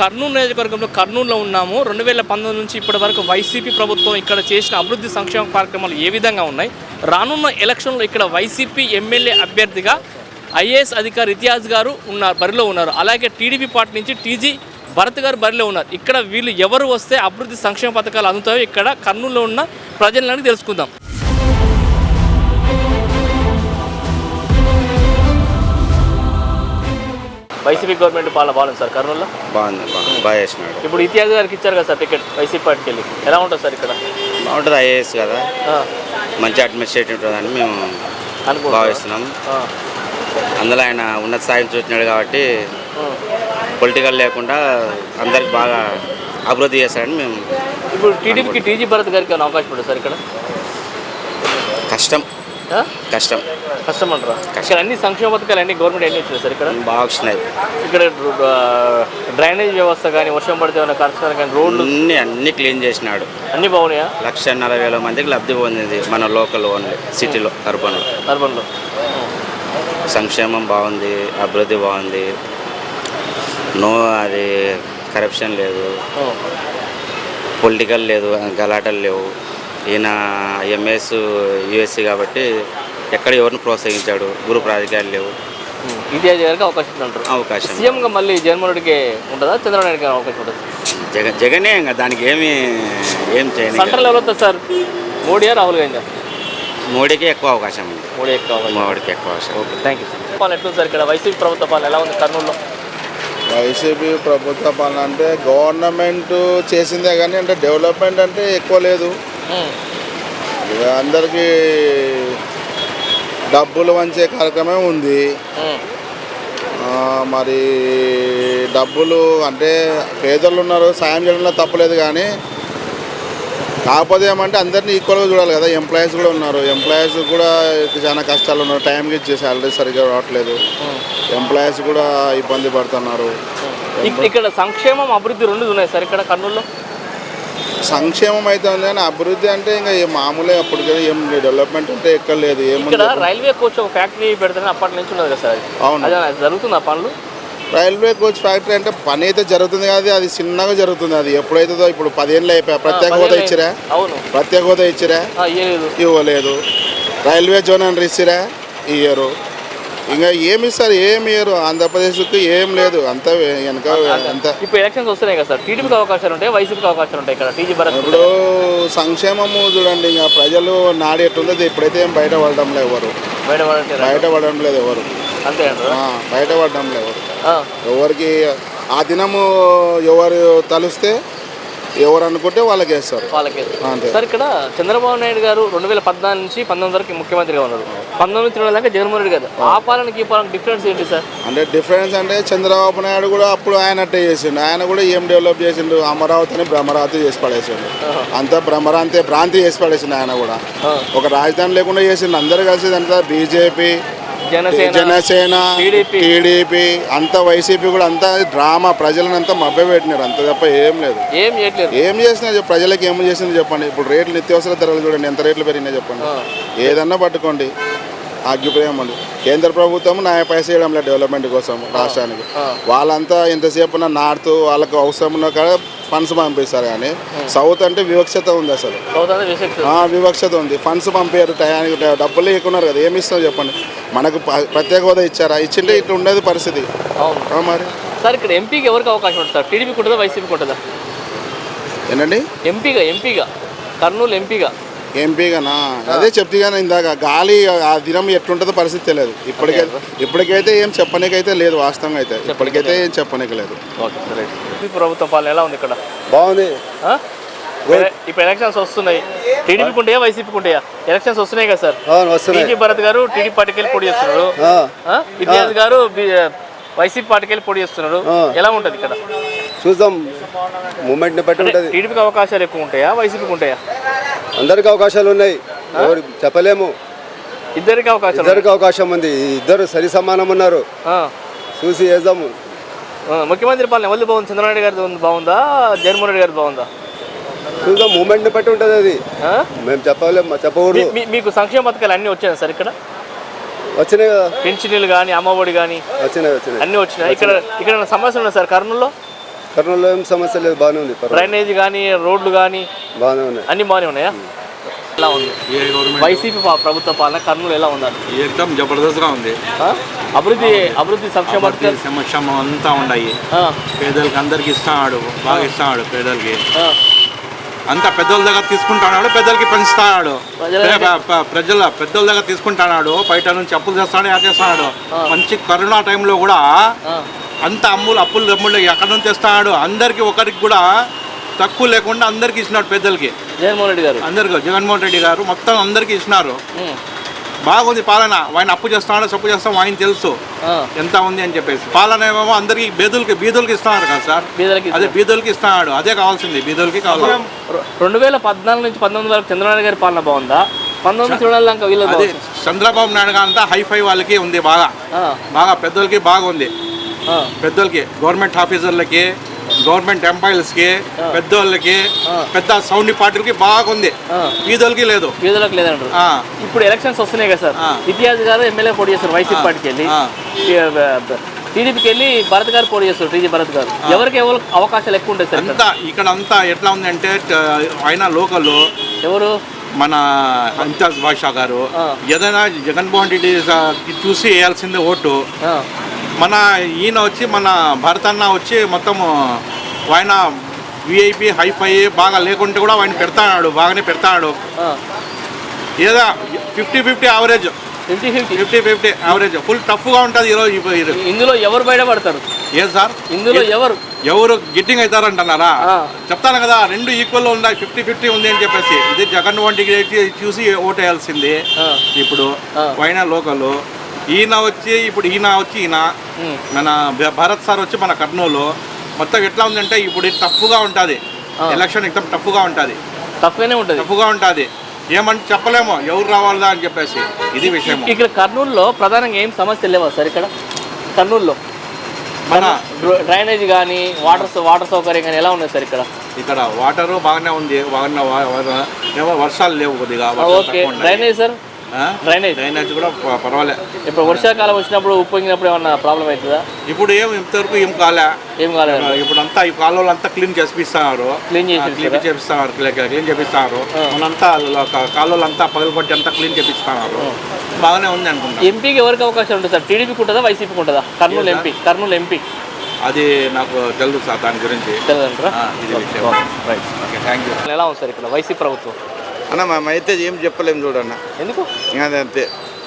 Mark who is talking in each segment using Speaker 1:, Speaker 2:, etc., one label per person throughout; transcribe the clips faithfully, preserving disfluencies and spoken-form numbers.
Speaker 1: కర్నూలు నియోజకవర్గంలో కర్నూలులో ఉన్నాము. రెండు వేల పంతొమ్మిది నుంచి ఇప్పటి వరకు వైసీపీ ప్రభుత్వం ఇక్కడ చేసిన అభివృద్ధి సంక్షేమ కార్యక్రమాలు ఏ విధంగా ఉన్నాయి, రానున్న ఎలక్షన్లో ఇక్కడ వైసీపీ ఎమ్మెల్యే అభ్యర్థిగా ఐఏఎస్ అధికారి ఇతియాజ్ గారు ఉన్నారు, బరిలో ఉన్నారు. అలాగే టీడీపీ పార్టీ నుంచి టీజీ భరత్ గారు బరిలో ఉన్నారు. ఇక్కడ వీళ్ళు ఎవరు వస్తే అభివృద్ధి సంక్షేమ పథకాలు అందుతాయో ఇక్కడ కర్నూలులో ఉన్న ప్రజలను తెలుసుకుందాం. వైసీపీ గవర్నమెంట్ పాలన బాగుంది సార్ కర్నూలులో?
Speaker 2: బాగుంది, బాగా చేసినాడు.
Speaker 1: ఇప్పుడు ఇతియాజ్ గారికి ఇచ్చారు కదా సార్ టికెట్ వైసీపీ పార్టీకి వెళ్ళి, ఎలా ఉంటుంది సార్ ఇక్కడ?
Speaker 2: బాగుంటుంది, ఐఏఎస్ కదా, మంచి అడ్మినిస్ట్రేటివ్ ఉంటుందని మేము భావిస్తున్నాం. అందులో ఆయన ఉన్నత స్థాయిని చూసినాడు కాబట్టి పొలిటికల్ లేకుండా అందరికి బాగా అభివృద్ధి చేస్తాడని మేము.
Speaker 1: ఇప్పుడు టీడీపీకి టీజీ భరత్ గారికి ఏమైనా అవకాశం ఉంటుంది సార్ ఇక్కడ?
Speaker 2: కష్టం కష్టం
Speaker 1: కష్టం అంటారా? ఇక్కడ అన్ని సంక్షేమ పథకాలు అన్ని గవర్నమెంట్ ఎన్ని వచ్చినాయి సార్ ఇక్కడ?
Speaker 2: బాగా వచ్చినాయి.
Speaker 1: ఇక్కడ డ్రైనేజ్ వ్యవస్థ కానీ, వర్షం పడితే ఏమైనా ఖర్చు కానీ, రోడ్లు
Speaker 2: అన్ని అన్ని క్లీన్ చేసినాడు.
Speaker 1: అన్ని బాగున్నాయా?
Speaker 2: లక్ష నలభై వేల మందికి లబ్ధి పొందింది మన లోకల్ ఓన్లీ సిటీలో, అర్బన్లో.
Speaker 1: అర్బన్లో
Speaker 2: సంక్షేమం బాగుంది, అభివృద్ధి బాగుంది, నో అది కరప్షన్ లేదు, పొలిటికల్ లేదు, గలాటలు లేవు. ఈయన ఎంఎస్ యూఎస్సీ కాబట్టి ఎక్కడ ఎవరిని ప్రోత్సహించాడు, గ్రూప్ రాజకీయాలు లేవు.
Speaker 1: ఇతియాజ్ గారికి అవకాశం అంటారు? అవకాశం. సీఎంగా మళ్ళీ జగన్మోహన్ రెడ్డికి ఉంటుందా, చంద్రబాబు నాయుడుకి అవకాశం ఉంటుంది?
Speaker 2: జగన్ జగనే ఇంకా దానికి ఏమి ఏం చేయాలి.
Speaker 1: సెంట్రల్ లెవెల్ వస్తుంది సార్, మోడీయా రాహుల్ గాంధీ?
Speaker 2: మోడీకి ఎక్కువ అవకాశం ఉంది.
Speaker 1: మోడీ ఎక్కువ
Speaker 2: మోడీకి ఎక్కువ అవకాశం.
Speaker 1: Okay, thank you sir. పాలన ఎట్లుంది సార్ ఇక్కడ? వైసీపీ ప్రభుత్వ పాలన ఎలా ఉంది కర్నూలులో?
Speaker 3: వైసీపీ ప్రభుత్వ పాలన అంటే గవర్నమెంట్ చేసిందే కానీ అంటే డెవలప్మెంట్ అంటే ఎక్కువ లేదు. అందరికీ డబ్బులు వంచే కార్యక్రమం ఉంది. మరి డబ్బులు అంటే పేదలు ఉన్నారు, సాయం చేయడంలో తప్పలేదు. కానీ కాకపోతే ఏమంటే అందరినీ ఈక్వల్గా చూడాలి కదా. ఎంప్లాయీస్ కూడా ఉన్నారు, ఎంప్లాయీస్ కూడా చాలా కష్టాలు ఉన్నారు. టైంకి ఇచ్చే శాలరీ సరిగ్గా రావట్లేదు, ఎంప్లాయీస్ కూడా ఇబ్బంది పడుతున్నారు.
Speaker 1: ఇక్కడ సంక్షేమం అభివృద్ధి రెండు ఉన్నాయి సార్ ఇక్కడ కర్నూలులో?
Speaker 3: సంక్షేమం అయితే ఉంది కానీ అభివృద్ధి అంటే ఇంకా మామూలే, అప్పుడు ఏం డెవలప్మెంట్ అంటే ఎక్కడ లేదు.
Speaker 1: ఇక్కడ రైల్వే కోచ్ ఒక ఫ్యాక్టరీ పెడతానే అప్పటి నుంచి ఉన్నది కదా సార్? అవును, జరుగుతుంది ఆ పనులు.
Speaker 3: రైల్వే కోచ్ ఫ్యాక్టరీ అంటే పని అయితే జరుగుతుంది కానీ అది చిన్నగా జరుగుతుంది. అది ఎప్పుడైతుందో ఇప్పుడు పదేళ్ళు అయిపోయా. ప్రత్యేక హోదా ఇచ్చిరా?
Speaker 1: అవును,
Speaker 3: ప్రత్యేక హోదా ఇచ్చిరా? ఇవ్వలేదు. రైల్వే జోన్ అని ఇచ్చిరా? ఇయ్యరు. ఇంకా ఏమి ఇస్తారు? ఏమి ఇయ్యరు. ఆంధ్రప్రదేశ్కి ఏం లేదు, అంత వెనక అంత.
Speaker 1: ఇప్పుడు ఎలక్షన్స్ వస్తున్నాయి కదా సార్, టీడీపీకి అవకాశాలు ఉంటాయి, వైసీపీకి అవకాశాలు ఉంటాయి ఇక్కడ? టీజీ భరత్
Speaker 3: ఇప్పుడు సంక్షేమము చూడండి, ఇంకా ప్రజలు నాడు ఎట్టుందో ఇప్పుడైతే ఏం బయట పడడం లేదు ఎవరు, బయట బయట పడడం లేదు ఎవరు,
Speaker 1: అంతే
Speaker 3: బయట పడడం లేదు ఎవరికి. ఆ దినము ఎవరు తలుస్తే ఎవరు అనుకుంటే వాళ్ళకి వేస్తారు, వాళ్ళకి.
Speaker 1: సార్ ఇక్కడ చంద్రబాబు నాయుడు గారు రెండు వేల పద్నాలుగు నుంచి పంతొమ్మిది వరకు ముఖ్యమంత్రిగా ఉన్నారు. పంతొమ్మిది రెండు దాకా జగన్మోహన్ రెడ్డి గారు. ఆ పాలనకి ఈ పాలన డిఫరెన్స్ ఏంటి సార్?
Speaker 3: అంటే డిఫరెన్స్ అంటే చంద్రబాబు నాయుడు కూడా అప్పుడు ఆయన అట్టే చేసిండు. ఆయన కూడా ఏం డెవలప్ చేసిండు? అమరావతిని భ్రమరావతి చేసి పడేసిండు. అంతా భ్రమరాంతి భ్రాంతి చేసి పడేసిండు. ఆయన కూడా ఒక రాజధాని లేకుండా చేసిండు. అందరు కలిసి అంతా బీజేపీ, జనసేన, టీడీపీ అంతా, వైసీపీ కూడా అంతా డ్రామా, ప్రజలను అంతా మభ్య పెట్టినారు. అంత తప్ప ఏం లేదు.
Speaker 1: ఏం చేయట్లేదు.
Speaker 3: ఏం చేసినా ప్రజలకు ఏం చేసింది చెప్పండి. ఇప్పుడు రేట్లు, నిత్యావసర ధరలు చూడండి ఎంత రేట్లు పెరిగినాయి చెప్పండి. ఏదన్నా పట్టుకోండి, ఆగ్గిపోయాం ఉంది. కేంద్ర ప్రభుత్వం న్యాయ పైస చేయడం లేదు డెవలప్మెంట్ కోసం రాష్ట్రానికి. వాళ్ళంతా ఎంతసేపు నార్త్ వాళ్ళకు అవసరం ఉన్న కాడ ఫండ్స్ పంపిస్తారు. కానీ సౌత్ అంటే వివక్షత ఉంది, అసలు వివక్షత ఉంది. ఫండ్స్ పంపారు టయానికి, డబ్బులు లేకున్నారు కదా, ఏమి ఇస్తాం చెప్పండి. మనకు ప్రత్యేక హోదా ఇచ్చారా? ఇచ్చింటే ఇట్లా ఉండేది పరిస్థితి. మరి
Speaker 1: సార్ ఇక్కడ ఎంపీకి ఎవరికి అవకాశం ఉంటుంది సార్? టీడీపీకి ఉంటుందా, వైసీపీకి ఉంటుందా?
Speaker 3: ఏంటండి?
Speaker 1: ఎంపీగా ఎంపీగా కర్నూలు ఎంపీగా
Speaker 3: ఎంపీగానా? అదే చెప్తే కానీ ఇందాక గాలి ఆ దినం ఎట్లుంటుందో పరిస్థితి తెలియదు. ఇప్పటికైతే ఇప్పటికైతే ఏం చెప్పనీకైతే లేదు, వాస్తవంగా అయితే ఇప్పటికైతే ఏం చెప్పనీకి లేదు.
Speaker 1: ప్రభుత్వ పాలన ఎలా ఉంది ఇక్కడ?
Speaker 3: బాగుంది.
Speaker 1: ఇప్పుడు ఎలక్షన్స్ వస్తున్నాయి, టీడీపీకి ఉంటాయా, వైసీపీకి ఉంటాయా? ఎలక్షన్స్ వస్తున్నాయి కదా సార్? టీజీ భరత్ గారు టీడీపీ పార్టీకి వెళ్ళి పోటీ చేస్తున్నారు, ఇతియాజ్ గారు వైసీపీ పార్టీకి వెళ్ళి పోటీ చేస్తున్నారు. ఎలా ఉంటుంది ఇక్కడ?
Speaker 4: చూద్దాం, మూమెంట్ ని బట్టి ఉంటుంది.
Speaker 1: టీడీపీకి అవకాశాలు ఎక్కువ ఉంటాయా, వైసీపీకి ఉంటాయా?
Speaker 4: అందరికి అవకాశాలు ఉన్నాయి, చెప్పలేము.
Speaker 1: ఇద్దరికి అవకాశం
Speaker 4: ఇద్దరికి అవకాశం ఉంది. ఇద్దరు సరి సమానం ఉన్నారు, చూసి వేద్దాము.
Speaker 1: ముఖ్యమంత్రి పాలన ఎవరిది బాగుంది? చంద్రబాబు గారి బాగుందా, జగన్మోహన్ రెడ్డి గారి బాగుందా?
Speaker 4: చూద్దాం, మూమెంట్ ని బట్టి ఉంటుంది అది. మేము చెప్పలేము, చెప్పకూడదు.
Speaker 1: మీకు సంక్షేమ పథకాలు అన్నీ వచ్చాయి సార్ ఇక్కడ?
Speaker 4: వచ్చినాయి కదా,
Speaker 1: పెన్షన్లు కానీ, అమ్మఒడి కానీ
Speaker 4: వచ్చినాయి వచ్చినాయి
Speaker 1: అన్నీ వచ్చినాయి. ఇక్కడ ఇక్కడ సమస్య ఉన్నాయి సార్ కర్నూలులో?
Speaker 4: కర్నూలులో ఏం సమస్య లేదు, బాగానే ఉంది.
Speaker 1: డ్రైనేజ్ కానీ రోడ్లు కానీ
Speaker 4: బాగానే ఉన్నాయి,
Speaker 1: అన్ని బాగానే ఉన్నాయా? ఎలా ఉంది వైసీపీ ప్రభుత్వ పాలన కర్నూలు ఎలా ఉందండి?
Speaker 5: ఏకదం జబర్దస్త్గా ఉంది.
Speaker 1: అభివృద్ధి అభివృద్ధి సంక్షేమ
Speaker 5: సంక్షేమం అంతా ఉన్నాయి. పేదలకి అందరికి ఇస్తున్నాడు, బాగా ఇస్తున్నాడు పేదలకి. అంతా పెద్దోళ్ళ దగ్గర తీసుకుంటున్నాడు, పెద్దలకి పెంచుతున్నాడు. ప్రజల పెద్దోళ్ళ దగ్గర తీసుకుంటున్నాడు, బయట నుంచి అప్పులు చేస్తాడు, యా చేస్తున్నాడు. మంచి కరోనా టైంలో కూడా అంత అమ్ములు అప్పులు దమ్ములు ఎక్కడి నుంచి తెస్తున్నాడు. అందరికి ఒకరికి కూడా తక్కువ లేకుండా అందరికి ఇచ్చినాడు. పెద్దలకి
Speaker 1: జగన్మోహన్ రెడ్డి గారు
Speaker 5: అందరికి జగన్మోహన్ రెడ్డి గారు మొత్తం అందరికి ఇచ్చినారు. బాగుంది పాలన. ఆయన అప్పు చేస్తున్నాడు, సప్పు చేస్తాం, ఆయన తెలుసు ఎంత ఉంది అని చెప్పేసి. పాలన ఏమో అందరికి బీదులకి బీదులకి ఇస్తున్నారు కదా సార్, అదే బీదులకి ఇస్తున్నాడు. అదే కావాల్సింది, బీదులకి కావాలి.
Speaker 1: రెండు వేల పద్నాలుగు నుంచి పంతొమ్మిది వరకు చంద్రబాబు గారి పాలన బాగుందా? పంతొమ్మిది చూడాలంక వీళ్ళు
Speaker 5: అదే చంద్రబాబు నాయుడు అంతా హైఫై వాళ్ళకి ఉంది, బాగా బాగా పెద్దలకి బాగుంది. పెద్దలకి గవర్నమెంట్ ఆఫీసర్లకి, గవర్నమెంట్ ఎంప్లాయీస్కి, పెద్దోళ్ళకి, పెద్ద సౌండ్ పార్టీలకి బాగుంది. వీధులకి లేదు,
Speaker 1: వీధులకు లేదంటారు. ఇప్పుడు ఎలక్షన్స్ వస్తున్నాయి కదా సార్, ఇతిహాస్ గారు ఎమ్మెల్యే పోటీ చేస్తారు వైసీపీ పార్టీకి వెళ్ళి, టీడీపీకి వెళ్ళి భరత్ గారు పోటీ చేస్తారు, టీజీ భరత్ గారు. ఎవరికి ఎవరు అవకాశాలు ఎక్కువ ఉంటాయి సార్?
Speaker 5: అంతా ఇక్కడ అంతా ఎట్లా ఉంది అంటే ఆయన లోకల్
Speaker 1: ఎవరు
Speaker 5: మన ఇంతియాజ్ బాషా గారు ఏదైనా జగన్మోహన్ రెడ్డి చూసి వేయాల్సిందే ఓటు. మన ఈయన వచ్చి మన భరత్ అన్న వచ్చి మొత్తము ఆయన విఐపి హైఫై బాగా లేకుంటే కూడా ఆయన పెడతాడు, బాగానే పెడతాడు. ఏదో fifty fifty average,
Speaker 1: fifty fifty
Speaker 5: fifty fifty average full టఫ్గా ఉంటుంది ఈరోజు.
Speaker 1: ఇందులో ఎవరు బయటపడతారు?
Speaker 5: ఏం సార్
Speaker 1: ఇందులో ఎవరు
Speaker 5: ఎవరు గిట్టింగ్ అవుతారంటున్నారా? చెప్తాను కదా, రెండు ఈక్వల్ ఉన్నాయి, ఫిఫ్టీ ఫిఫ్టీ ఉంది అని చెప్పేసి. ఇది జగన్మోహన్ రెడ్డి చూసి ఓటు వేయాల్సింది. ఇప్పుడు ఆయన లోకల్, ఈయన వచ్చి ఇప్పుడు ఈయన వచ్చి ఈయన మన భరత్ సార్ వచ్చి మన కర్నూలు. మొత్తం ఎట్లా ఉందంటే ఇప్పుడు టఫ్గా ఉంటుంది ఎలక్షన్, ఎక్దమ్ టఫ్గా ఉంటుంది,
Speaker 1: టఫ్గానే ఉంటుంది,
Speaker 5: టఫ్గా ఉంటుంది. ఏమంటే చెప్పలేము ఎవరు రావాలా అని చెప్పేసి. ఇది విషయం.
Speaker 1: ఇక్కడ కర్నూలులో ప్రధానంగా ఏం సమస్యలు లేవా సార్? ఇక్కడ కర్నూలులో మన డ్రైనేజ్ కానీ వాటర్ వాటర్ సౌకర్యం కానీ ఎలా ఉన్నాయి సార్? ఇక్కడ
Speaker 5: ఇక్కడ వాటరు బాగానే ఉంది, బాగానే ఏమో వర్షాలు లేవు కొద్దిగా.
Speaker 1: Okay, drainage sir? Drainage
Speaker 5: drainage కూడా పర్వాలేదు.
Speaker 1: ఇప్పుడు వర్షాకాలం వచ్చినప్పుడు ఉప్పొంగినప్పుడు ఏమన్నా ప్రాబ్లం అవుతుందా?
Speaker 5: ఇప్పుడు ఏం ఇంతవరకు ఏం కాలే,
Speaker 1: ఏం కాలేదు.
Speaker 5: ఇప్పుడు అంతా ఈ కాలువలు అంతా క్లీన్ చేపిస్తున్నారు,
Speaker 1: క్లీన్ చేసి
Speaker 5: క్లీన్ చేపిస్తున్నారు క్లీన్ చేపిస్తున్నారు మనంతా కాలువలు అంతా పగలగొట్టి అంతా క్లీన్ చేపిస్తున్నారు. బాగానే ఉంది అనుకుంటా. ఎంపీకి
Speaker 1: ఎవరికి అవకాశం ఉంటుంది సార్? టీడీపీకి ఉంటుందా, వైసీపీకి ఉంటుందా? కర్నూలు ఎంపీ కర్నూలు ఎంపీ
Speaker 5: అది నాకు తెలుసు సార్, దాని గురించి
Speaker 1: తెలియదంటారా?
Speaker 5: ఇది విషయం. Right, okay, thank you.
Speaker 1: ఎలా ఉంది సార్ ఇక్కడ వైసీపీ ప్రభుత్వం?
Speaker 3: అన్న మేమైతే ఏం చెప్పలేము చూడన్న.
Speaker 1: ఎందుకు?
Speaker 3: అదే అంతే.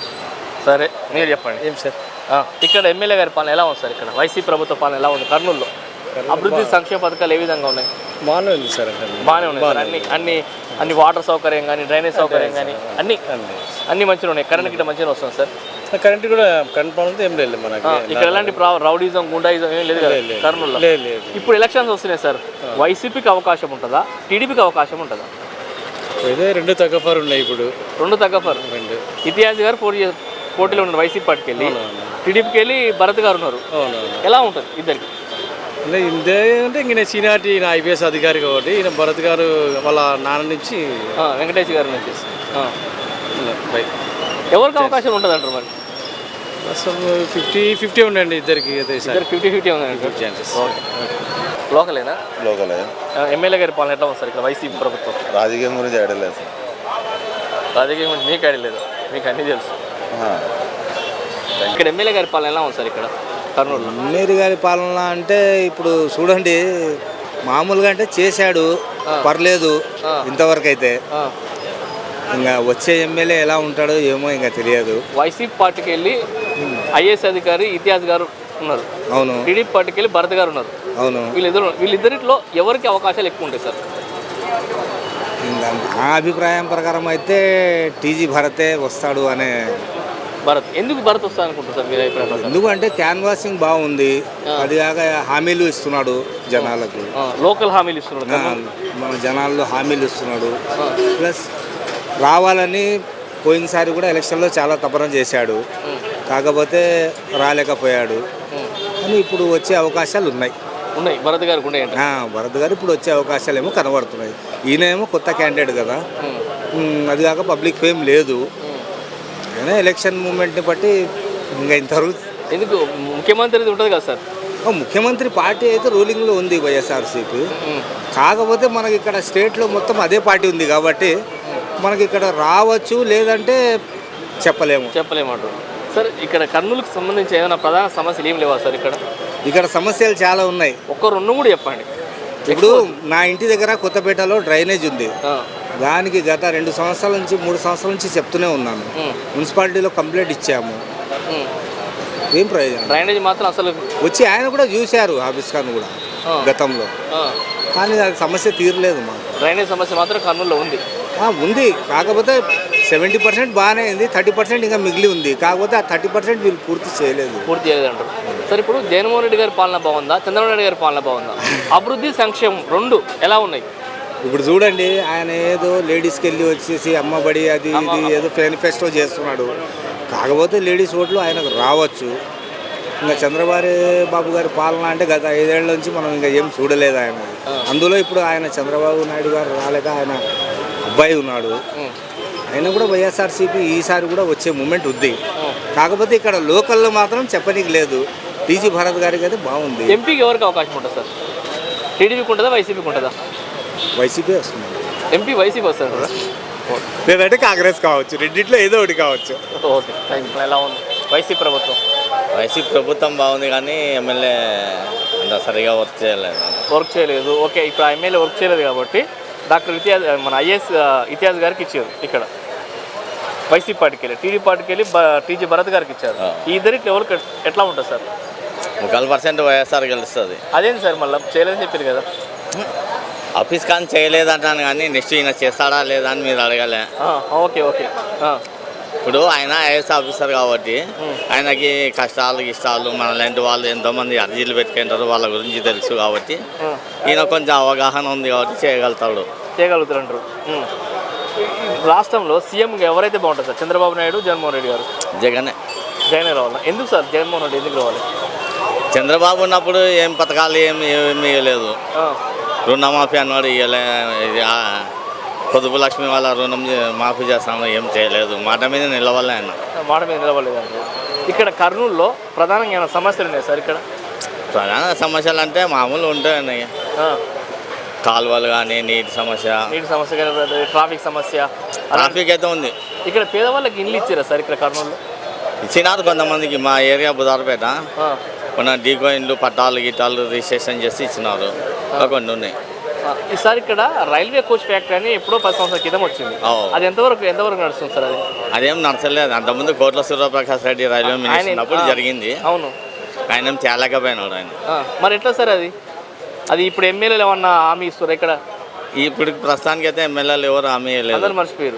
Speaker 1: సరే మీరు చెప్పండి. ఏం సార్ ఇక్కడ ఎమ్మెల్యే గారి పాలన ఎలా ఉంది సార్? ఇక్కడ వైసీపీ ప్రభుత్వ పాలన ఎలా ఉంది కర్నూలులో? అభివృద్ధి సంక్షేమ పథకాలు ఏ విధంగా ఉన్నాయి?
Speaker 6: బాగానే ఉంది సార్,
Speaker 1: బాగానే ఉన్నాయి సార్. అన్ని అన్ని అన్ని వాటర్ సౌకర్యం కానీ డ్రైనేజ్ సౌకర్యం కానీ అన్ని అన్ని మంచిగా ఉన్నాయి. కరెంట్ గిట్ట మంచిగా వస్తుంది సార్?
Speaker 6: కరెంట్ కూడా కరెంట్ ప్రాబ్లం ఏం లేదు మనకి
Speaker 1: ఇక్కడ. ఎలాంటి రౌడీజం గుండాయిజం ఏం లేదు కదా కర్నూలులో? ఇప్పుడు ఎలక్షన్స్ వస్తున్నాయి సార్, వైసీపీకి అవకాశం ఉంటుందా, టీడీపీకి అవకాశం ఉంటుందా?
Speaker 6: ఇదే రెండు తగ్గఫారు ఉన్నాయి ఇప్పుడు.
Speaker 1: రెండు తగ్గఫారు.
Speaker 6: రెండు
Speaker 1: ఇతిహాస్ గారు పోటీ పోటీలో ఉన్నారు వైసీపీ పార్టీకి వెళ్ళి, టీడీపీకి వెళ్ళి భరత్ గారు ఉన్నారు. ఎలా ఉంటుంది ఇద్దరికి?
Speaker 6: అంటే ఇదే అంటే ఇంక నేను సీనియారిటీ ఈయన ఐపీఎస్ అధికారి కాబట్టి, ఈయన భరత్ గారు వాళ్ళ నాన్న నుంచి
Speaker 1: వెంకటేష్ గారి నుంచి ఎవరికి అవకాశం ఉంటుంది అంటారు మరి?
Speaker 6: అసలు ఫిఫ్టీ ఫిఫ్టీ ఉండండి ఇద్దరికి.
Speaker 1: ఫిఫ్టీ ఫిఫ్టీ ఉందండి ఛాన్సెస్. లోకలేనా?
Speaker 3: లోకలే.
Speaker 1: ఎమ్మెల్యే గారి పాలన ఎట్లా ఉంది సార్ ఇక్కడ వైసీపీ ప్రభుత్వం?
Speaker 3: రాజకీయం గురించి ఐడియా లేదు సార్.
Speaker 1: రాజకీయం గురించి మీకు ఐడియా లేదు, మీకు అన్నీ తెలుసు. ఇక్కడ ఎమ్మెల్యే గారి పాలన ఎలా ఉంది సార్ ఇక్కడ కర్నూలులో?
Speaker 7: ఎమ్మెల్యే గారి పాలన అంటే ఇప్పుడు చూడండి, మామూలుగా అంటే చేశాడు, పర్లేదు ఇంతవరకు అయితే. ఇంకా వచ్చే ఎమ్మెల్యే ఎలా ఉంటాడో ఏమో ఇంకా తెలియదు.
Speaker 1: వైసీపీ పార్టీకి వెళ్ళి ఐఏఎస్ అధికారి ఇతిహాస్ గారు ఉన్నారు,
Speaker 7: అవును.
Speaker 1: టీడీపీ పార్టీకి వెళ్ళి భరత్ గారు ఉన్నారు,
Speaker 7: అవును.
Speaker 1: వీళ్ళిద్దరు వీళ్ళిద్దరిలో ఎవరికి అవకాశాలు ఎక్కువ ఉంటాయి సార్?
Speaker 7: ఇంకా నా అభిప్రాయం ప్రకారం అయితే టీజీ భరతే వస్తాడు అనే.
Speaker 1: భరత్ ఎందుకు భరత్ వస్తా అనుకుంటారు సార్ మీరు అభిప్రాయం?
Speaker 7: ఎందుకంటే క్యాన్వాసింగ్ బాగుంది, అది కాక హామీలు ఇస్తున్నాడు జనాలకు,
Speaker 1: లోకల్ హామీలు ఇస్తున్నాడు,
Speaker 7: మన జనాల్లో హామీలు ఇస్తున్నాడు. ప్లస్ రావాలని పోయినసారి కూడా ఎలక్షన్లో చాలా తపన చేశాడు, కాకపోతే రాలేకపోయాడు. కానీ ఇప్పుడు వచ్చే అవకాశాలు ఉన్నాయి
Speaker 1: ఉన్నాయి భరత్ గారికి ఉన్నాయి.
Speaker 7: భరత్ గారు ఇప్పుడు వచ్చే అవకాశాలు ఏమో కనబడుతున్నాయి. ఈయన ఏమో కొత్త క్యాండిడేట్ కదా, అది కాక పబ్లిక్ ఫేమ్ లేదు. అయినా ఎలక్షన్ మూమెంట్ని బట్టి ఇంకా ఇంతవరకు
Speaker 1: ఎందుకు ముఖ్యమంత్రిది ఉంటుంది కదా సార్,
Speaker 7: ఓ ముఖ్యమంత్రి పార్టీ అయితే రూలింగ్లో ఉంది వైఎస్ఆర్సీపీ. కాకపోతే మనకి ఇక్కడ స్టేట్లో మొత్తం అదే పార్టీ ఉంది కాబట్టి మనకి ఇక్కడ రావచ్చు, లేదంటే చెప్పలేము
Speaker 1: చెప్పలేమంటారు సార్. ఇక్కడ కర్నూలుకు సంబంధించి ఏమైనా ప్రధాన సమస్యలు ఏం లేవా సార్ ఇక్కడ?
Speaker 7: ఇక్కడ సమస్యలు చాలా ఉన్నాయి.
Speaker 1: ఒక్క రెండు కూడా చెప్పండి.
Speaker 7: ఇప్పుడు నా ఇంటి దగ్గర కొత్తపేటలో డ్రైనేజ్ ఉంది. దానికి గత రెండు సంవత్సరాల నుంచి మూడు సంవత్సరాల నుంచి చెప్తూనే ఉన్నాను. మున్సిపాలిటీలో కంప్లైంట్ ఇచ్చాము, ఏం ప్రయోజనం?
Speaker 1: డ్రైనేజ్ మాత్రం అసలు
Speaker 7: వచ్చి ఆయన కూడా చూశారు ఆఫీస్ కాను కూడా గతంలో, కానీ అది సమస్య తీరలేదు మా
Speaker 1: డ్రైనేజ్ సమస్య మాత్రం కర్నూలులో ఉంది.
Speaker 7: ఉంది, కాకపోతే సెవెంటీ పర్సెంట్ బాగానే ఉంది, థర్టీ పర్సెంట్ ఇంకా మిగిలి ఉంది. కాకపోతే ఆ థర్టీ పర్సెంట్ వీళ్ళు పూర్తి చేయలేదు
Speaker 1: పూర్తి చేయలేదు అంటారు సార్. ఇప్పుడు జగన్మోహన్ రెడ్డి గారి పాలన బాగుందా, చంద్రబాబు నాయుడు గారి పాలన బాగుందా? అభివృద్ధి సంక్షేమం రెండు ఎలా ఉన్నాయి?
Speaker 7: ఇప్పుడు చూడండి, ఆయన ఏదో లేడీస్కి వెళ్ళి వచ్చేసి అమ్మబడి అది ఇది ఏదో మేనిఫెస్టో చేస్తున్నాడు. కాకపోతే లేడీస్ ఓట్లు ఆయనకు రావచ్చు. ఇంకా చంద్రబాబు బాబు గారి పాలన అంటే గత ఐదేళ్ల నుంచి మనం ఇంకా ఏం చూడలేదు ఆయన. అందులో ఇప్పుడు ఆయన చంద్రబాబు నాయుడు గారు రాలేక ఆయన అబ్బాయి ఉన్నాడు. ఆయన కూడా వైఎస్ఆర్సీపీ ఈసారి కూడా వచ్చే మూమెంట్ ఉంది. కాకపోతే ఇక్కడ లోకల్లో మాత్రం చెప్పనీకి లేదు. టీజీ భరత్ గారికి అయితే బాగుంది.
Speaker 1: ఎంపీకి ఎవరికి అవకాశం ఉంటుంది సార్? టీడీపీకి ఉంటుందా, వైసీపీకి ఉంటుందా?
Speaker 7: వైసీపీ వస్తుంది.
Speaker 1: ఎంపీ వైసీపీ వస్తారు కదా,
Speaker 7: లేదంటే కాంగ్రెస్ కావచ్చు, రెండిట్లో ఏదో ఒకటి కావచ్చు.
Speaker 1: Okay thank you. ఎలా ఉంది వైసీపీ ప్రభుత్వం?
Speaker 8: వైసీపీ ప్రభుత్వం బాగుంది కానీ ఎమ్మెల్యే అంత సరిగా వర్క్ చేయలేదు
Speaker 1: వర్క్ చేయలేదు ఓకే. ఇప్పుడు ఆ ఎమ్మెల్యే వర్క్ చేయలేదు కాబట్టి డాక్టర్ ఇతిహాజ్ మన ఐఏఎస్ ఇతిహాజ్ గారికి ఇచ్చారు ఇక్కడ వైసీపీ పార్టీకి వెళ్ళి. టీడీ పార్టీకి వెళ్ళి టీజీ భరత్ గారికి ఇచ్చారు. ఈ ఇద్దరికి ఎవరికి ఎట్లా ఉంటుంది సార్?
Speaker 8: ముక్కలు పర్సెంట్ వైఎస్ఆర్ గెలుస్తుంది.
Speaker 1: అదేంటి సార్ మళ్ళీ చేయలేదని చెప్పారు కదా?
Speaker 8: ఆఫీస్ కానీ చేయలేదంటాను కానీ నెక్స్ట్ ఈయన చేస్తాడా లేదా అని మీరు అడగలే.
Speaker 1: Okay okay.
Speaker 8: ఇప్పుడు ఆయన ఐఏఎస్ ఆఫీసర్ కాబట్టి ఆయనకి కష్టాలు ఇష్టాలు మన లాంటి వాళ్ళు ఎంతోమంది అర్జీలు పెట్టుకుంటారు, వాళ్ళ గురించి తెలుసు కాబట్టి ఈయన కొంచెం అవగాహన ఉంది కాబట్టి చేయగలుగుతాడు
Speaker 1: చేయగలుగుతారు రాష్ట్రంలో సీఎంగా ఎవరైతే బాగుంటుంది సార్? చంద్రబాబు నాయుడు, జగన్మోహన్ రెడ్డి గారు?
Speaker 8: జగనే.
Speaker 1: జగనే రావాలి. ఎందుకు సార్ జగన్మోహన్ రెడ్డి ఎందుకు రావాలి?
Speaker 8: చంద్రబాబు ఉన్నప్పుడు ఏం పథకాలు ఏం ఏమి ఇవ్వలేదు. రుణమాఫీ అన్నాడు, ఇవ్వలే. పొదుపు లక్ష్మి వాళ్ళ రుణం మాఫీ చేస్తాము, ఏం చేయలేదు. మాట మీద నిలవలే ఆయన.
Speaker 1: మాట మీద నిలవలేదు అండి. ఇక్కడ కర్నూలులో ప్రధానంగా ఏమైనా సమస్యలు ఉన్నాయి సార్? ఇక్కడ
Speaker 8: ప్రధాన సమస్యలు అంటే మామూలు ఉంటాయండి. కాలువలు కానీ, నీటి సమస్య,
Speaker 1: నీటి సమస్య కానీ, ట్రాఫిక్ సమస్య.
Speaker 8: ట్రాఫిక్ అయితే ఉంది.
Speaker 1: ఇక్కడ పేదవాళ్ళకి ఇల్లు ఇచ్చారా సార్ ఇక్కడ కర్నూలులో?
Speaker 8: ఇచ్చినారు కొంతమందికి. మా ఏరియా బుధారపేట మన డీకో ఇండ్లు పట్టాలు గిట్టాలు రిజిస్ట్రేషన్ చేసి ఇచ్చినారు, కొన్ని ఉన్నాయి.
Speaker 1: ఈసారి ఇక్కడ రైల్వే కోచ్ ఫ్యాక్టరీ అని ఎప్పుడో పది సంవత్సరాల క్రితం వచ్చింది. అది ఎంతవరకు ఎంతవరకు నడుస్తుంది సార్? అది
Speaker 8: అదేం నడచలేదు. అంతకుముందు కోట్ల సూర్యప్రకాష్ రెడ్డి రైల్వే మినిస్టర్ అప్పుడు జరిగింది.
Speaker 1: అవును,
Speaker 8: ఆయన ఏం తేలేకపోయినాడు ఆయన.
Speaker 1: మరి ఎట్లా సార్ అది? అది ఇప్పుడు ఎమ్మెల్యేలు ఏమన్నా హామీ ఇస్తారు ఇక్కడ?
Speaker 8: ఇప్పుడు ప్రస్తుతానికి అయితే ఎమ్మెల్యేలు ఎవరు హామీ లేదు,
Speaker 1: అందరు మర్చిపోయారు.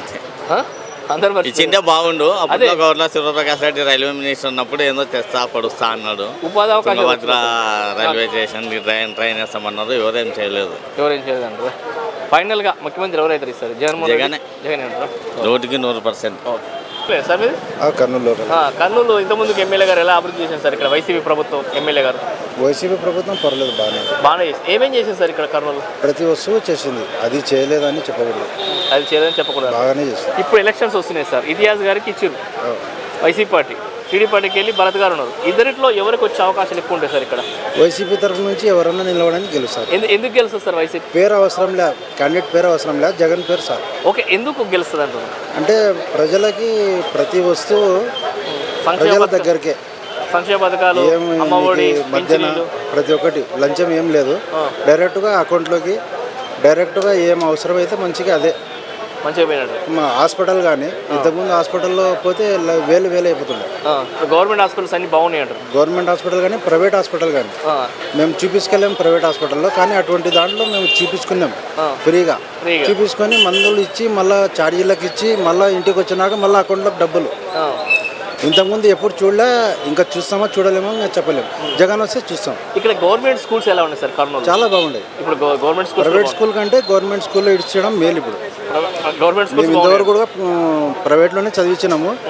Speaker 8: ఇచ్చింటే బాగుండు. అప్పుడు కోట్ల సూర్యప్రకాష్ రెడ్డి రైల్వే మినిస్టర్ ఉన్నప్పుడు ఏదో తెస్తా పడుస్తా అన్నాడు.
Speaker 1: ఉపాధి అవకాశం
Speaker 8: రైల్వే స్టేషన్ ట్రైన్ ట్రైన్ వేస్తామన్నారు, ఎవరేం చేయలేదు.
Speaker 1: ఎవరేం చేయలేదు అంటారు. ఫైనల్ గా ముఖ్యమంత్రి ఎవరైతే ఇస్తారు? జగన్మోహన్
Speaker 8: జగనే.
Speaker 1: జగన్ అంటారు
Speaker 8: నూటికి నూరు పర్సెంట్.
Speaker 1: సార్ మీరు
Speaker 4: కర్నూలు
Speaker 1: కర్నూలు ఇంతకుముందుకు ఎమ్మెల్యే గారు ఎలా అభివృద్ధి చేశారు సార్? ఇక్కడ వైసీపీ ప్రభుత్వం ఎమ్మెల్యే గారు
Speaker 4: వైసీపీ ప్రభుత్వం పర్లేదు, బాగానే
Speaker 1: బాగానే చేసి ఏమేం చేసింది సార్ ఇక్కడ కర్నూలు?
Speaker 4: ప్రతి వస్తువు చేసింది, అది చేయలేదని చెప్పకూడదు,
Speaker 1: అది చేయలేదని చెప్పకూడదు,
Speaker 4: బాగానే చేసింది.
Speaker 1: ఇప్పుడు ఎలక్షన్స్ వస్తున్నాయి సార్, ఇతిహాస్ గారికి ఇచ్చారు వైసీపీ పార్టీ, టీడీ పార్టీకి వెళ్ళి భరత్ గారు ఉన్నారు. ఇద్దరిట్లో ఎవరికి వచ్చే అవకాశాలు ఎక్కువ ఉంటాయి సార్ ఇక్కడ?
Speaker 4: వైసీపీ తరఫు నుంచి ఎవరన్నా నిలవడానికి గెలుస్తారు.
Speaker 1: ఎందుకు గెలుస్తుంది సార్ వైసీపీ?
Speaker 4: పేరు అవసరం లే, క్యాండిడేట్ పేరు అవసరం లే, జగన్ పేరు సార్.
Speaker 1: ఓకే, ఎందుకు గెలుస్తుంది అంటున్నారు?
Speaker 4: అంటే ప్రజలకి ప్రతి వస్తువు ప్రజల దగ్గరకే,
Speaker 1: సంక్షేమ పథకాలు, అమ్మఒడి,
Speaker 4: మధ్యన ప్రతి ఒక్కటి లంచం ఏం లేదు, డైరెక్ట్గా అకౌంట్లోకి డైరెక్ట్గా ఏం అవసరమైతే మంచిగా అదే
Speaker 1: మంచిగా పోయినట్టు.
Speaker 4: హాస్పిటల్ కానీ ఇంతకుముందు హాస్పిటల్లో పోతే వేలు వేలు అయిపోతుండే.
Speaker 1: గవర్నమెంట్ హాస్పిటల్స్ అన్ని బాగున్నాయి అంటారు.
Speaker 4: గవర్నమెంట్ హాస్పిటల్ కానీ ప్రైవేట్ హాస్పిటల్ కానీ మేము చూపించుకెళ్ళాం ప్రైవేట్ హాస్పిటల్లో, కానీ అటువంటి దాంట్లో మేము చూపించుకున్నాం ఫ్రీగా. చూపించుకొని మందులు ఇచ్చి మళ్ళీ ఛార్జీలకు ఇచ్చి మళ్ళీ ఇంటికి వచ్చినాక మళ్ళీ అకౌంట్లోకి డబ్బులు. ఇంతకుముందు ఎప్పుడు చూడలే, ఇంకా చూస్తామా చూడలేమో ఇంకా చెప్పలేము. జగన్ వస్తే చూస్తాం.
Speaker 1: ఇక్కడ గవర్నమెంట్ స్కూల్స్ ఎలా ఉన్నాయి సార్ కర్నూలు?
Speaker 4: చాలా బాగుంటాయి.
Speaker 1: ఇప్పుడు గవర్నమెంట్ స్కూల్,
Speaker 4: ప్రైవేట్ స్కూల్ కంటే గవర్నమెంట్ స్కూల్లో ఇడ్చడం మేలు. ఇప్పుడు
Speaker 1: గవర్నమెంట్ స్కూల్
Speaker 4: ఇంతవరకు కూడా ప్రైవేట్లోనే చదివించినాము,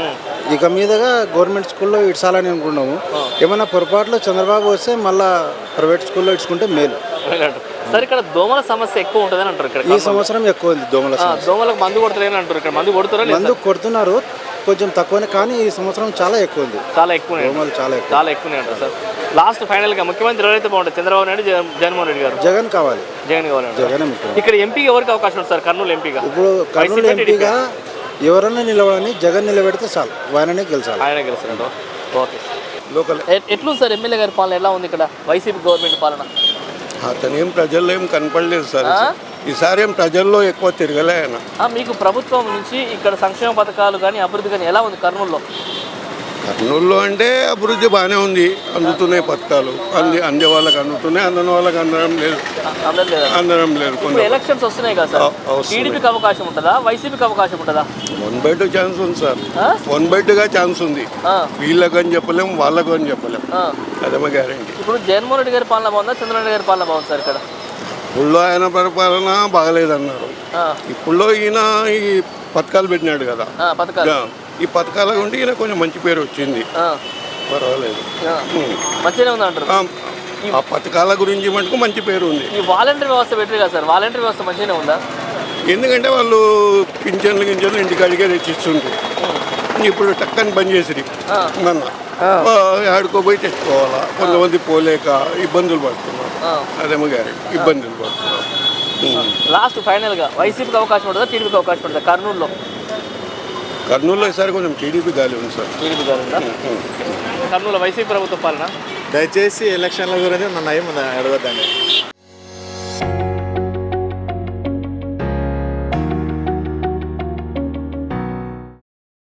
Speaker 4: ఇక మీదగా గవర్నమెంట్ స్కూల్లో ఇడ్చాలని అనుకున్నాము. ఏమైనా పొరపాట్లో చంద్రబాబు వస్తే మళ్ళీ ప్రైవేట్ స్కూల్లో ఇడ్చుకుంటే మేలు.
Speaker 1: సార్ ఇక్కడ దోమల సమస్య ఎక్కువ ఉంటుందని అంటారు ఇక్కడ.
Speaker 4: ఈ సంవత్సరం ఎక్కువ ఉంది దోమల సమస్య.
Speaker 1: దోమలకు మందు కొడతారని అంటారు ఇక్కడ. మందు కొడుతారా?
Speaker 4: మందు కొడుతున్నారు కొంచెం తక్కువనే, కానీ ఈ సంవత్సరం చాలా ఎక్కువ ఉంది.
Speaker 1: చాలా ఎక్కువ
Speaker 4: దోమలు చాలా ఎక్కువ
Speaker 1: చాలా ఎక్కువనే అంటారు సార్. లాస్ట్ ఫైనల్గా ముఖ్యమంత్రి ఎవరైతే బాగుంటుంది, చంద్రబాబు నాయుడు, జగన్ జగన్మోహన్ రెడ్డి గారు?
Speaker 4: జగన్ కావాలి.
Speaker 1: జగన్ కావాలి.
Speaker 4: జగన్
Speaker 1: ఇక్కడ ఎంపీగా ఎవరికి అవకాశం ఉంది సార్? కర్నూలు ఎంపీగా
Speaker 4: ఇప్పుడు కర్నూలు ఎంపీగా ఎవరన్నా నిలబడని జగన్ నిలబెడితే చాలు, ఆయననే గెలిచాలి.
Speaker 1: ఆయన గెలుస్తాడు. ఓకే.
Speaker 9: లోకల్
Speaker 1: ఎట్లుంది సార్ ఎమ్మెల్యే గారి పాలన? ఎలా ఉంది ఇక్కడ వైసీపీ గవర్నమెంట్ పాలన?
Speaker 9: అతను ఏం ప్రజల్లో ఏం కనపడలేదు సార్. ఈసారి ఏం ప్రజల్లో ఎక్కువ తిరగలే ఆయన.
Speaker 1: మీకు ప్రభుత్వం నుంచి ఇక్కడ సంక్షేమ పథకాలు కానీ అభివృద్ధి కానీ ఎలా ఉంది కర్నూలులో?
Speaker 9: కర్నూలులో అంటే అభివృద్ధి బాగానే ఉంది, అందుతున్నాయి పథకాలు, అంది అందే వాళ్ళకి అందుతున్నాయి, అందని వాళ్ళకి అందడం లేదు. అందడం లేదు.
Speaker 1: ఇప్పుడు ఎలక్షన్స్ వస్తున్నాయి కదా సార్, టీడీపీకి అవకాశం ఉంటుందా, వైసీపీకి అవకాశం ఉంటుందా?
Speaker 9: వన్ బై టూ ఛాన్స్ ఉంది సార్. వన్ బై టూగా ఛాన్స్ ఉంది. వీళ్ళకు అని చెప్పలేము, వాళ్ళకు అని చెప్పలేము. అదేమో గ్యారంటీ.
Speaker 1: ఇప్పుడు జగన్మోహన్ రెడ్డి గారి పాలన బాగుందా, చంద్రబాబు నాయుడు గారి పాలన బాగుంది సార్ ఇక్కడ?
Speaker 9: ఇప్పుడులో ఆయన పరిపాలన బాగలేదన్నారు. ఇప్పుడులో ఈయన ఈ పథకాలు పెట్టినాడు కదా, ఈ పథకాల గుండి ఈయన కొంచెం మంచి పేరు వచ్చింది, పర్వాలేదు.
Speaker 1: మంచిగానే ఉంది అంటారు.
Speaker 9: ఆ పథకాల గురించి మటుకు మంచి పేరు ఉంది.
Speaker 1: ఈ వాలంటీర్ వ్యవస్థ పెట్టారు కదా సార్, వాలంటీర్ వ్యవస్థ మంచిగానే ఉందా?
Speaker 9: ఎందుకంటే వాళ్ళు పింఛన్లు గింజన్లు ఇంటికాడికే తెచ్చిస్తుండ్రు. ఇప్పుడు టక్కని బంద్ చేసిరి మొన్న, ఆడుకోపోయి తెచ్చుకోవాలా, కొంతమంది పోలేక ఇబ్బందులు పడుతున్నారు. అదేమో గ్యారెంటీ ఇబ్బందులు పడుతున్నారు.
Speaker 1: లాస్ట్ ఫైనల్గా వైసీపీకి అవకాశం ఉంటుందా, టీడీపీకి అవకాశం ఉంటుందా కర్నూలులో?
Speaker 9: కర్నూలులో ఈసారి కొంచెం టీడీపీ గాలి ఉంది సార్.
Speaker 1: టీడీపీ గాలి ఉందా? కర్నూలులో వైసీపీ ప్రభుత్వ పాలన?
Speaker 10: దయచేసి ఎలక్షన్ల గురించి నన్ను ఏమి అడగద్దండి.